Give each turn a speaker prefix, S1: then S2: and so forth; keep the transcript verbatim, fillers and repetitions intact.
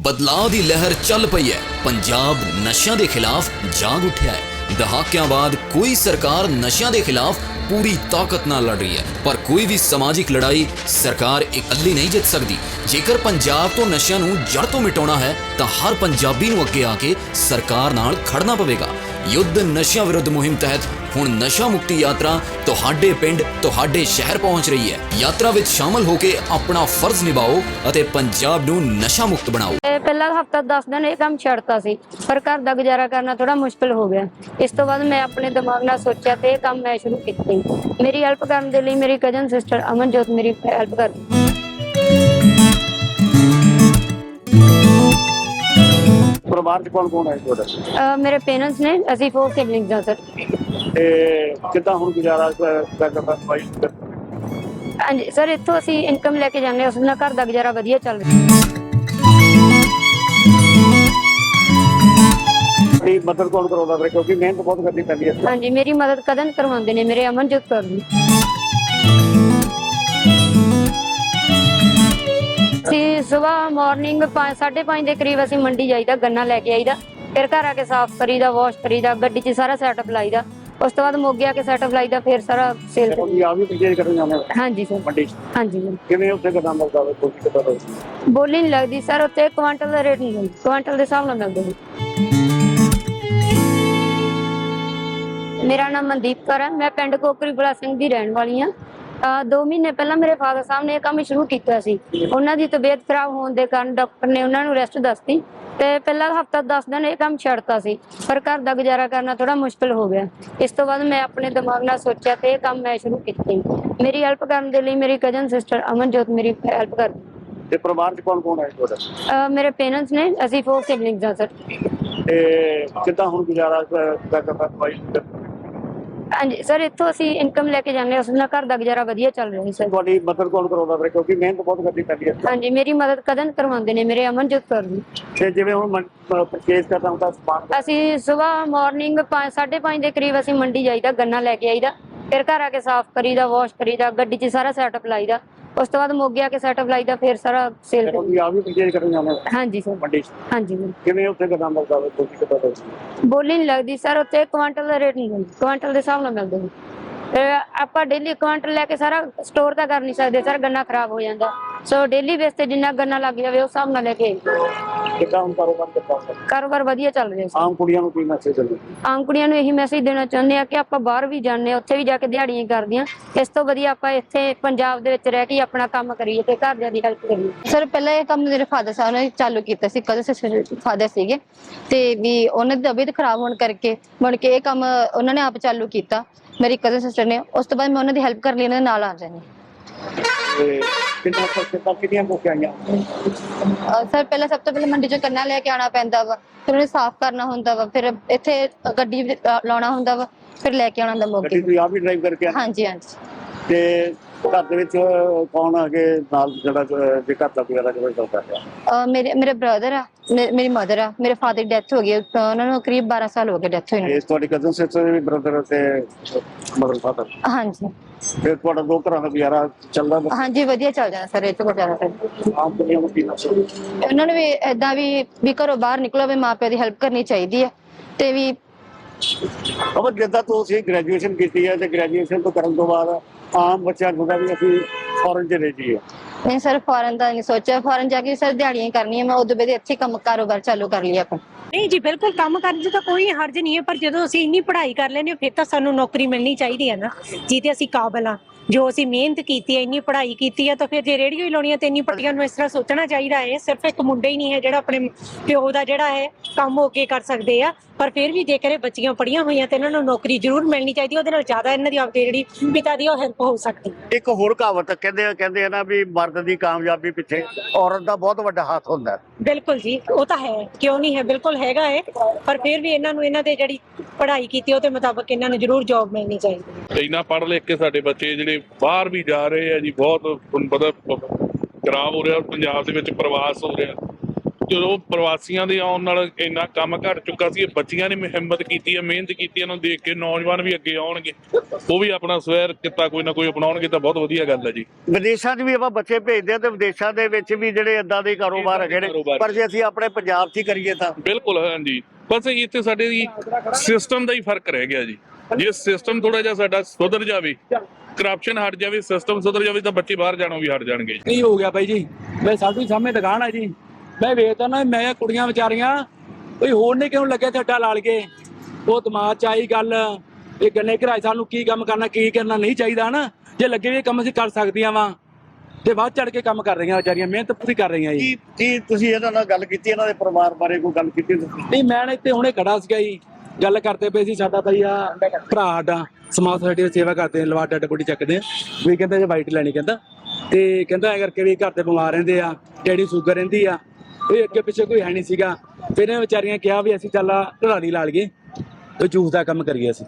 S1: ਬਦਲਾਅ ਦੀ ਲਹਿਰ ਚੱਲ ਪਈ ਹੈ। ਪੰਜਾਬ ਨਸ਼ਿਆਂ ਦੇ ਖਿਲਾਫ ਜਾਗ ਉੱਠਿਆ ਹੈ। ਦਹਾਕਿਆਂ ਬਾਅਦ ਕੋਈ ਸਰਕਾਰ ਨਸ਼ਿਆਂ ਦੇ ਖਿਲਾਫ ਪੂਰੀ ਤਾਕਤ ਨਾਲ ਲੜ ਰਹੀ ਹੈ, ਪਰ ਕੋਈ ਵੀ ਸਮਾਜਿਕ ਲੜਾਈ ਸਰਕਾਰ ਇਕੱਲੀ ਨਹੀਂ ਜਿੱਤ ਸਕਦੀ। ਜੇਕਰ ਪੰਜਾਬ ਤੋਂ ਨਸ਼ਿਆਂ ਨੂੰ ਜੜ ਤੋਂ ਮਿਟਾਉਣਾ ਹੈ ਤਾਂ ਹਰ ਪੰਜਾਬੀ ਨੂੰ ਅੱਗੇ ਆ ਕੇ ਸਰਕਾਰ ਨਾਲ ਖੜਨਾ ਪਵੇਗਾ। ਯੁੱਧ ਨਸ਼ਿਆਂ ਵਿਰੁੱਧ ਮੁਹਿੰਮ ਤਹਿਤ ਹੁਣ ਨਸ਼ਾ ਮੁਕਤੀ ਯਾਤਰਾ ਤੁਹਾਡੇ ਪਿੰਡ ਤੁਹਾਡੇ ਸ਼ਹਿਰ ਪਹੁੰਚ ਰਹੀ ਹੈ। ਯਾਤਰਾ ਵਿੱਚ ਸ਼ਾਮਲ ਹੋ ਕੇ ਆਪਣਾ ਫਰਜ਼ ਨਿਭਾਓ ਅਤੇ ਪੰਜਾਬ ਨੂੰ ਨਸ਼ਾ ਮੁਕਤ ਬਣਾਓ।
S2: ਪਹਿਲਾ ਹਫਤਾ ਦਸ ਦਿਨ ਇਹ ਕੰਮ ਛੱਡਤਾ ਸੀ, ਪਰ ਘਰ ਦਾ ਗੁਜ਼ਾਰਾ ਕਰਨਾ ਥੋੜਾ ਮੁਸ਼ਕਿਲ ਹੋ ਗਿਆ। ਇਸ ਤੋਂ ਬਾਅਦ ਮੈਂ ਆਪਣੇ ਦਿਮਾਗ ਨਾਲ ਸੋਚਿਆ ਤੇ ਇਹ ਕੰਮ ਮੈਂ ਸ਼ੁਰੂ ਕੀਤੀ। ਮੇਰੀ ਹੈਲਪ ਕਰਨ ਦੇ ਲਈ ਮੇਰੀ ਕਜ਼ਨ ਸਿਸਟਰ ਅਮਨਜੋਤ ਮੇਰੀ ਹੈਲਪ ਕਰਦੀ।
S3: ਪਰਿਵਾਰ ਚ ਕੌਣ ਕੌਣ ਹੈ ਤੁਹਾਡਾ?
S2: ਮੇਰੇ ਪੇਰੈਂਟਸ ਨੇ, ਅਸੀਂ ਫੋਰ ਸਿਬਲਿੰਗਸ ਹਾਂ ਸਰ।
S3: ਤੇ ਕਿੱਦਾਂ ਹੁਣ ਗੁਜ਼ਾਰਾ ਕਰਦਾ ਭਾਈ?
S2: ਹਾਂਜੀ ਸਰ, ਇੱਥੋਂ ਅਸੀਂ ਇਨਕਮ ਲੈ ਕੇ ਜਾਂਦੇ ਹਾਂ, ਉਸ ਨਾਲ ਘਰ ਦਾ ਗੁਜ਼ਾਰਾ ਵਧੀਆ ਚੱਲ ਰਿਹਾ।
S3: ਆਪਣੀ ਮਦਦ ਕੌਣ ਕਰਾਉਂਦਾ ਫਿਰ, ਕਿਉਂਕਿ ਮਿਹਨਤ ਬਹੁਤ ਕਰਨੀ ਪੈਂਦੀ ਹੈ।
S2: ਹਾਂਜੀ, ਮੇਰੀ ਮਦਦ ਕਦਨ ਕਰਵਾਉਂਦੇ ਨੇ ਮੇਰੇ ਅਮਨਜੋਤ ਕੌਰ ਜੀ। ਅਸੀਂ ਸਵੇਰ ਮਾਰਨਿੰਗ ਪੰਜ ਸਾਢੇ ਪੰਜ ਦੇ ਕਰੀਬ ਅਸੀਂ ਮੰਡੀ ਜਾਈਦਾ, ਗੰਨਾ ਲੈ ਕੇ ਆਈਦਾ, ਫਿਰ ਘਰ ਆ ਕੇ ਸਾਫ਼ ਕਰੀਦਾ, ਵਾਸ਼ ਕਰੀਦਾ, ਗੱਡੀ 'ਚ ਸਾਰਾ ਸੈਟਅਪ ਲਾਈਦਾ। ਉਸ ਤੋਂ ਬਾਅਦ ਮੋਗੇ ਆ ਕੇ ਸੈਟਅਪ ਲਾਈਦਾ, ਫਿਰ ਸਾਰਾ ਸੇਲ।
S3: ਆ ਵੀ ਪਰਚੇਜ ਕਰਨ ਜਾਂਦੇ ਹੋ?
S2: ਹਾਂਜੀ ਸਰ,
S3: ਮੰਡੀ 'ਚ।
S2: ਹਾਂਜੀ ਸਰ।
S3: ਕਿਵੇਂ ਉੱਥੇ ਕਿੱਦਾਂ ਮਿਲਦਾ ਵਾ, ਕੋਈ ਕਿੱਦਾਂ ਦਾ?
S2: ਬੋਲੀ ਨਹੀਂ ਲੱਗਦੀ ਸਰ, ਉੱਥੇ ਕੁਆਂਟਲ ਦਾ ਰੇਟ ਨਹੀਂ, ਕੁਆਂਟਲ ਦੇ ਹਿਸਾਬ ਨਾਲ ਮਿਲਦੇ ਨੇ। ਮੇਰਾ ਨਾਮ ਮਨਦੀਪ ਕੌਰ ਹੈ, ਮੈਂ ਪਿੰਡ ਕੋਕਰੀ ਬਲਾ ਸਿੰਘ ਦੀ ਰਹਿਣ ਵਾਲੀ ਹਾਂ। ਦੋ ਮਹੀਨੇ ਪਹਿਲਾਂ ਮੇਰੇ ਫਾਦਰ ਸਾਹਿਬ ਨੇ ਇਹ ਕੰਮ ਸ਼ੁਰੂ ਕੀਤਾ ਸੀ। ਉਹਨਾਂ ਦੀ ਤਬੀਅਤ ਖਰਾਬ ਹੋਣ ਦੇ ਕਾਰਨ ਡਾਕਟਰ ਨੇ ਉਹਨਾਂ ਨੂੰ ਰੈਸਟ ਦੱਸਤੀ ਤੇ ਪਹਿਲਾ ਹਫਤਾ ਦਸ ਦਿਨ ਇਹ ਕੰਮ ਛੱਡਤਾ ਸੀ, ਪਰ ਘਰ ਦਾ ਗੁਜ਼ਾਰਾ ਕਰਨਾ ਥੋੜਾ ਮੁਸ਼ਕਿਲ ਹੋ ਗਿਆ। ਇਸ ਤੋਂ ਬਾਅਦ ਮੈਂ ਆਪਣੇ ਦਿਮਾਗ ਨਾਲ ਸੋਚਿਆ ਤੇ ਇਹ ਕੰਮ ਮੈਂ ਸ਼ੁਰੂ ਕੀਤੀ। ਮੇਰੀ ਹੈਲਪ ਕਰਨ ਦੇ ਲਈ ਮੇਰੀ ਕਜ਼ਨ ਸਿਸਟਰ ਅਮਨਜੋਤ ਮੇਰੀ ਹੈਲਪ ਕਰਦੀ।
S3: ਤੇ ਪਰਿਵਾਰ ਚ ਕੌਣ ਕੌਣ ਹੈ ਤੁਹਾਡਾ?
S2: ਮੇਰੇ ਪੇਰੈਂਟਸ ਨੇ, ਅਸੀਂ ਫੋਰ ਸਿਬਲਿੰਗਸ ਹਾਂ ਸਰ।
S3: ਤੇ ਕਿੱਦਾਂ ਹੁਣ ਗੁਜ਼ਾਰਾ ਕਰਦਾ ਭਾਈ?
S2: ਹਾਂਜੀ ਸਰ, ਇੱਥੋਂ ਅਸੀਂ ਇਨਕਮ ਲੈ ਕੇ ਜਾਂਦੇ ਹਾਂ, ਉਸ ਨਾਲ ਘਰ ਦਾ ਗੁਜ਼ਾਰਾ ਵਧੀਆ ਚੱਲ ਰਿਹਾ ਸਰ।
S3: ਤੁਹਾਡੀ ਮਦਦ ਕੌਣ ਕਰਾਉਂਦਾ ਫਿਰ, ਕਿਉਂਕਿ ਮਿਹਨਤ ਬਹੁਤ ਕਰਨੀ ਪੈਂਦੀ ਹੈ।
S2: ਹਾਂਜੀ, ਮੇਰੀ ਮਦਦ ਕਦਨ ਕਰਵਾਉਂਦੇ ਨੇ ਮੇਰੇ ਅਮਨਜੋਤ ਕੌਰ ਜੀ।
S3: ਤੇ ਜਿਵੇਂ ਹੁਣ ਪਰਚੇਜ ਕਰਨਾ ਹੁੰਦਾ ਸਮਾਨ,
S2: ਅਸੀਂ ਸਵੇਰ ਮਾਰਨਿੰਗ ਪੰਜ ਸਾਢੇ ਪੰਜ ਦੇ ਕਰੀਬ ਅਸੀਂ ਮੰਡੀ ਜਾਈਦਾ, ਗੰਨਾ ਲੈ ਕੇ ਆਈਦਾ, ਫਿਰ ਘਰ ਆ ਕੇ ਸਾਫ਼ ਕਰੀਦਾ, ਵਾਸ਼ ਕਰੀਦਾ, ਗੱਡੀ 'ਚ ਸਾਰਾ ਸੈਟਅਪ ਲਾਈਦਾ। ਉਸ ਤੋਂ ਬਾਅਦ ਮੋਗੇ ਆ ਕੇ ਸੈਟਅਪ ਲਾਈਦਾ, ਫਿਰ ਸਾਰਾ ਸੇਲ।
S3: ਆ ਵੀ ਪਰਚੇਜ ਕਰਨ ਜਾਂਦੇ ਹੋ?
S2: ਹਾਂਜੀ ਸਰ,
S3: ਮੰਡੀ 'ਚ।
S2: ਹਾਂਜੀ।
S3: ਕਿਵੇਂ ਉੱਥੇ ਕਿੱਦਾਂ ਮਿਲਦਾ ਵਾ, ਕੋਈ ਕਿੱਦਾਂ ਦਾ?
S2: ਬੋਲੀ ਨਹੀਂ ਲੱਗਦੀ ਸਰ, ਉੱਥੇ ਕੁਆਂਟਲ ਦਾ ਰੇਟ ਨਹੀਂ, ਕੁਆਂਟਲ ਦੇ ਹਿਸਾਬ ਨਾਲ ਮਿਲਦੇ ਨੇ। ਆਪਾਂ ਡੇਲੀ ਕੁਆਂਟਲ ਲੈ ਕੇ ਸਾਰਾ ਸਟੋਰ ਤਾਂ ਕਰ ਨਹੀਂ ਸਕਦੇ ਸਰ, ਗੰਨਾ ਖਰਾਬ ਹੋ ਜਾਂਦਾ। ਸੋ ਡੇਲੀ ਬੇਸ ਤੇ ਜਿੰਨਾ ਗੰਨਾ ਲੱਗ ਜਾਵੇ ਉਸ ਹਿਸਾਬ ਨਾਲ ਲੈ ਕੇ।
S3: ਕਿੱਦਾਂ ਹੁਣ ਕਾਰੋਬਾਰ ਕਿੱਦਾਂ?
S2: ਕਾਰੋਬਾਰ ਵਧੀਆ ਚੱਲ ਰਿਹਾ ਸਰ।
S3: ਆਮ ਕੁੜੀਆਂ ਨੂੰ ਕੀ ਮੈਸੇਜ ਦਿੰਦੇ?
S2: ਆਮ ਕੁੜੀਆਂ ਨੂੰ ਇਹੀ ਮੈਸੇਜ ਦੇਣਾ ਚਾਹੁੰਦੇ ਆ ਕਿ ਆਪਾਂ ਬਾਹਰ ਵੀ ਜਾਂਦੇ ਹਾਂ, ਉੱਥੇ ਵੀ ਜਾ ਕੇ ਦਿਹਾੜੀਆਂ ਕਰਦੀਆਂ, ਇਸ ਤੋਂ ਵਧੀਆ ਆਪਾਂ ਇੱਥੇ ਪੰਜਾਬ ਦੇ ਵਿੱਚ ਰਹਿ ਕੇ ਆਪਣਾ ਕੰਮ ਕਰੀਏ ਤੇ ਘਰਦਿਆਂ ਦੀ ਹੈਲਪ ਕਰੀਏ।
S4: ਸਰ ਪਹਿਲਾਂ ਇਹ ਕੰਮ ਮੇਰੇ ਫਾਦਰ ਸਾਹਿਬ ਨੇ ਚਾਲੂ ਕੀਤਾ ਸੀ, ਕਦੇ ਫਾਦਰ ਸੀਗੇ ਤੇ ਵੀ ਉਹਨਾਂ ਦੀ ਤਬੀਅਤ ਖਰਾਬ ਹੋਣ ਕਰਕੇ ਮੁੜ ਕੇ ਇਹ ਕੰਮ ਉਹਨਾਂ ਨੇ ਆਪ ਚਾਲੂ ਕੀਤਾ, ਮੇਰੀ ਕਜ਼ਨ ਸਿਸਟਰ ਨੇ। ਉਸ ਤੋਂ ਬਾਅਦ ਮੈਂ ਉਹਨਾਂ ਦੀ ਹੈਲਪ ਕਰਨ ਲਈ ਉਹਨਾਂ ਦੇ ਨਾਲ ਆ ਜਾਂਦੀ।
S3: ਕਿੰਨਾ ਕਿੰਨਾ ਕਿੰਨੀਆਂ ਮੁੱਕ ਆਈਆਂ?
S4: ਸਰ ਪਹਿਲਾਂ ਸਭ ਤੋਂ ਪਹਿਲਾਂ ਮੰਡੀ ਚੋਂ ਕੰਨਾ ਲੈ ਕੇ ਆਉਣਾ ਪੈਂਦਾ ਵਾ, ਫਿਰ ਉਹਨੇ ਸਾਫ਼ ਕਰਨਾ ਹੁੰਦਾ ਵਾ, ਫਿਰ ਇੱਥੇ ਗੱਡੀ ਲਾਉਣਾ ਹੁੰਦਾ ਵਾ, ਫਿਰ ਲੈ ਕੇ ਆਉਣਾ ਹੁੰਦਾ ਮੋਗੇ।
S3: ਗੱਡੀ ਤੁਸੀਂ ਆਪ ਵੀ ਡਰਾਈਵ ਕਰਕੇ?
S4: ਹਾਂਜੀ ਹਾਂਜੀ।
S3: ਤੇ ਘਰ ਦੇ ਵਿੱਚ ਕੌਣ ਹੈਗੇ ਨਾਲ, ਜਿਹੜਾ ਜੇ ਘਰ ਦਾ ਗੁਜ਼ਾਰਾ ਕਰਦਾ ਹੈ?
S4: ਮੇਰੇ ਮੇਰੇ ਬ੍ਰਦਰ ਆ, ਮੇਰੀ ਮਦਰ ਆ, ਮੇਰੇ ਫਾਦਰ ਦੀ ਡੈਥ ਹੋ ਗਈ, ਉਹਨਾਂ ਨੂੰ ਕਰੀਬ ਬਾਰਾਂ ਸਾਲ ਹੋ ਗਏ ਡੈਥ ਹੋਈ ਨੂੰ।
S3: ਤੁਹਾਡੀ ਕਜ਼ਨ ਸਿਸਟਰ ਵੀ ਬ੍ਰਦਰ ਤੇ ਮਦਰ ਫਾਦਰ?
S4: ਹਾਂਜੀ।
S3: ਫਿਰ ਤੁਹਾਡਾ ਦੋ ਘਰਾਂ ਦਾ ਗੁਜ਼ਾਰਾ ਚੱਲਦਾ?
S4: ਹਾਂਜੀ ਵਧੀਆ ਚੱਲ ਜਾਂਦਾ ਸਰ, ਇਹ ਤੋਂ ਗੁਜ਼ਾਰਾ ਕਰ।
S3: ਆਮ ਦੁਨੀਆ ਨੂੰ ਕੀ ਮੈਸੇਜ?
S4: ਉਹਨਾਂ ਨੂੰ ਵੀ ਏਦਾਂ ਵੀ ਵੀ ਘਰੋਂ ਬਾਹਰ ਨਿਕਲੋ, ਵੀ ਮਾਂ ਪਿਓ ਦੀ ਹੈਲਪ ਕਰਨੀ ਚਾਹੀਦੀ ਹੈ। ਤੇ ਵੀ
S3: ਅਬ ਜਿੱਦਾਂ ਤੁਸੀਂ ਗ੍ਰੈਜੂਏਸ਼ਨ ਕੀਤੀ ਹੈ ਤੇ ਗ੍ਰੈਜੂਏਸ਼ਨ ਤੋਂ ਕਰਨ ਤੋਂ ਬਾਅਦ ਆਮ ਬੱਚਿਆਂ ਨੂੰ ਹੁੰਦਾ ਵੀ ਅਸੀਂ ਫੋਰਨ ਚਲੇ ਜਾਈਏ।
S4: ਨਹੀਂ ਸਰ, ਫੋਰਨ ਦਾ ਨਹੀਂ ਸੋਚਿਆ, ਫੋਰਨ ਜਾ ਕੇ ਸਰ ਦਿਹਾੜੀਆਂ ਕਰਨੀਆਂ, ਮੈਂ ਉਦੋਂ ਬਾਅਦ ਇੱਥੇ ਕੰਮ ਕਾਰੋਬਾਰ ਚਾਲੂ ਕਰ ਲਿਆ ਆਪਣਾ।
S5: ਨਹੀਂ ਜੀ, ਬਿਲਕੁਲ ਕੰਮ ਕਰਨ 'ਚ ਤਾਂ ਕੋਈ ਹਰਜ ਨਹੀਂ ਹੈ, ਪਰ ਜਦੋਂ ਅਸੀਂ ਇੰਨੀ ਪੜ੍ਹਾਈ ਕਰ ਲੈਂਦੇ ਫਿਰ ਤਾਂ ਸਾਨੂੰ ਨੌਕਰੀ ਮਿਲਣੀ ਚਾਹੀਦੀ ਹੈ ਨਾ, ਜਿਹਦੇ ਅਸੀਂ ਕਾਬਲ ਹਾਂ। ਜੋ ਅਸੀਂ ਮਿਹਨਤ ਕੀਤੀ ਹੈ, ਇੰਨੀ ਪੜ੍ਹਾਈ ਕੀਤੀ ਹੈ, ਤਾਂ ਫਿਰ ਜੇ ਰੇਡੀਓ ਹੀ ਲਾਉਣੀ ਹੈ ਤੇ ਇੰਨੀ ਪੜ੍ਹਾਈਆਂ ਨੂੰ ਇਸ ਤਰ੍ਹਾਂ ਸੋਚਣਾ ਚਾਹੀਦਾ ਹੈ। ਸਿਰਫ ਇੱਕ ਮੁੰਡਾ ਹੀ ਨਹੀਂ ਹੈ ਜਿਹੜਾ ਆਪਣੇ ਪਿਓ ਦਾ ਜਿਹੜਾ ਹੈ ਕੰਮ ਹੋ ਕੇ ਕਰ ਸਕਦੇ ਆ, ਪਰ ਫਿਰ ਵੀ ਜੇਕਰ ਇਹ ਬੱਚੀਆਂ ਪੜ੍ਹੀਆਂ ਹੋਈਆਂ ਤੇ ਇਹਨਾਂ ਨੂੰ ਨੌਕਰੀ ਜ਼ਰੂਰ ਮਿਲਣੀ ਚਾਹੀਦੀ, ਉਹਦੇ ਨਾਲ ਜ਼ਿਆਦਾ ਇਹਨਾਂ ਦੀ ਆਪਣੀ ਜਿਹੜੀ ਪਿਤਾ ਦੀ ਉਹ ਹੈਲਪ ਹੋ ਸਕਦੀ।
S3: ਇੱਕ ਹੋਰ ਕਹਾਵਤ ਕਹਿੰਦੇ ਕਹਿੰਦੇ ਆ ਨਾ ਵੀ ਮਰਦ ਦੀ ਕਾਮਯਾਬੀ ਪਿੱਛੇ ਔਰਤ ਦਾ ਬਹੁਤ ਵੱਡਾ ਹੱਥ ਹੁੰਦਾ।
S5: ਬਿਲਕੁਲ ਜੀ, ਉਹ ਤਾਂ ਹੈ, ਕਿਉਂ ਨਹੀਂ ਹੈ, ਬਿਲਕੁਲ ਹੈਗਾ ਹੈ, ਪਰ ਫਿਰ ਵੀ ਇਹਨਾਂ ਨੂੰ ਇਹਨਾਂ ਦੇ ਜਿਹੜੀ ਪੜ੍ਹਾਈ ਕੀਤੀ ਉਹਦੇ ਮੁਤਾਬਕ ਇਹਨਾਂ ਨੂੰ ਜ਼ਰੂਰ ਜੌਬ ਮਿਲਣੀ ਚਾਹੀਦੀ।
S6: ਇੰਨਾ ਪੜ੍ਹ ਲਿਖ ਕੇ ਸਾਡੇ ਬੱਚੇ ਜਿਹੜੇ ਬਾਹਰ ਵੀ ਜਾ ਰਹੇ ਆ ਜੀ, ਬਹੁਤ ਤੁਹਾਨੂੰ ਪਤਾ ਖਰਾਬ ਹੋ ਰਿਹਾ, ਪੰਜਾਬ ਦੇ ਵਿੱਚ ਪ੍ਰਵਾਸ ਹੋ ਰਿਹਾ, ਜਦੋਂ ਪ੍ਰਵਾਸੀਆਂ ਦੇ ਆਉਣ ਨਾਲ ਇੰਨਾ ਕੰਮ ਘਟ ਚੁੱਕਾ ਸੀ, ਬੱਚੀਆਂ ਨੇ ਹਿੰਮਤ ਕੀਤੀ ਹੈ, ਮਿਹਨਤ ਕੀਤੀ ਹੈ, ਇਹਨਾਂ ਨੂੰ ਦੇਖ ਕੇ ਨੌਜਵਾਨ ਵੀ ਅੱਗੇ ਆਉਣਗੇ, ਉਹ ਵੀ ਆਪਣਾ ਸਵੈ ਕਿੱਤਾ ਕੋਈ ਨਾ ਕੋਈ ਅਪਣਾਉਣਗੇ ਤਾਂ ਬਹੁਤ ਵਧੀਆ ਗੱਲ ਹੈ ਜੀ।
S3: ਵਿਦੇਸ਼ਾਂ 'ਚ ਵੀ ਆਪਾਂ ਬੱਚੇ ਭੇਜਦੇ ਆ ਤੇ ਵਿਦੇਸ਼ਾਂ ਦੇ ਵਿੱਚ ਵੀ ਜਿਹੜੇ ਏਦਾਂ ਦੇ ਕਾਰੋਬਾਰ ਹੈਗੇ ਨੇ, ਪਰ ਜੇ ਅਸੀਂ ਆਪਣੇ ਪੰਜਾਬ 'ਚ ਹੀ ਕਰੀਏ ਤਾਂ
S6: ਬਿਲਕੁਲ ਹਾਂਜੀ, ਬਸ ਇੱਥੇ ਸਾਡੇ ਦੀ ਸਿਸਟਮ ਦਾ ਹੀ ਫਰਕ ਰਹਿ ਗਿਆ ਜੀ। ਜੇ ਸਿਸਟਮ ਥੋੜਾ ਜਿਹਾ ਸਾਡਾ ਸੁਧਰ ਜਾਵੇ, ਕਰਪਸ਼ਨ ਹਟ ਜਾਵੇ, ਸਿਸਟਮ ਸੁਧਰ ਜਾਵੇ ਤਾਂ ਬੱਚੇ ਬਾਹਰ ਜਾਣੋਂ ਵੀ ਹਟ ਜਾਣਗੇ।
S7: ਕੀ ਹੋ ਗਿਆ ਬਾਈ ਜੀ, ਮੈਂ ਸਾਡੀ ਸਾਹਮਣੇ ਦੁਕਾਨ ਹੈ ਜੀ, ਮੈਂ ਵੇਖਦਾ ਨਾ, ਮੈਂ ਕੁੜੀਆਂ ਵਿਚਾਰੀਆਂ ਕੋਈ ਹੋਰ ਨੇ ਕਿਉਂ ਲੱਗਿਆ ਝੱਟਾ ਲਾਲ ਕੇ, ਉਹ ਦਿਮਾਗ 'ਚ ਆਈ ਗੱਲ ਇਹ ਗੰਨੇ ਘਰਾਏ ਸਾਨੂੰ ਕੀ ਕੰਮ ਕਰਨਾ ਕੀ ਕਰਨਾ ਨਹੀਂ ਚਾਹੀਦਾ ਨਾ, ਜੇ ਲੱਗੇ ਵੀ ਕੰਮ ਅਸੀਂ ਕਰ ਸਕਦੀਆਂ ਵਾ ਤੇ ਵੱਧ ਚੜ ਕੇ ਕੰਮ ਕਰ ਰਹੀਆਂ ਵਿਚਾਰੀਆਂ, ਮਿਹਨਤ ਪੂਰੀ ਕਰ ਰਹੀਆਂ ਜੀ।
S3: ਕੀ ਕੀ ਤੁਸੀਂ ਇਹਨਾਂ ਨਾਲ ਗੱਲ ਕੀਤੀ, ਇਹਨਾਂ ਦੇ ਪਰਿਵਾਰ ਬਾਰੇ ਕੋਈ ਗੱਲ ਕੀਤੀ ਤੁਸੀਂ?
S7: ਨਹੀਂ ਮੈਂ ਇੱਥੇ ਹੁਣੇ ਖੜਾ ਸੀਗਾ ਜੀ, ਗੱਲ ਕਰਦੇ ਪਏ ਸੀ, ਸਾਡਾ ਬਾਈ ਆ ਭਰਾ ਸਾਡਾ ਸਮਾਜ ਸੋਸਾਇਟੀ ਦੀ ਸੇਵਾ ਕਰਦੇ ਆ, ਲਵਾ ਡੱਡ ਬੋਡੀ ਚੱਕਦੇ ਆ, ਵੀ ਕਹਿੰਦਾ ਜੇ ਵਾਈਟ ਲੈਣੀ, ਕਹਿੰਦਾ ਤੇ ਕਹਿੰਦਾ ਐ ਕਰਕੇ ਵੀ ਘਰ ਦੇ ਬਿਮਾਰ ਰਹਿੰਦੇ ਆ, ਡੈਡੀ ਸ਼ੂਗਰ ਰਹਿੰਦੀ ਆ, ਇਹ ਅੱਗੇ ਪਿੱਛੇ ਕੋਈ ਹੈ ਨਹੀਂ ਸੀਗਾ, ਫਿਰ ਇਹ ਵਿਚਾਰੀਆਂ ਕਿਹਾ ਵੀ ਅਸੀਂ ਚੱਲ ਢਲਾਲੀ ਲਾ ਲਈਏ ਤੇ ਜੂਸ ਦਾ ਕੰਮ ਕਰੀਏ ਅਸੀਂ।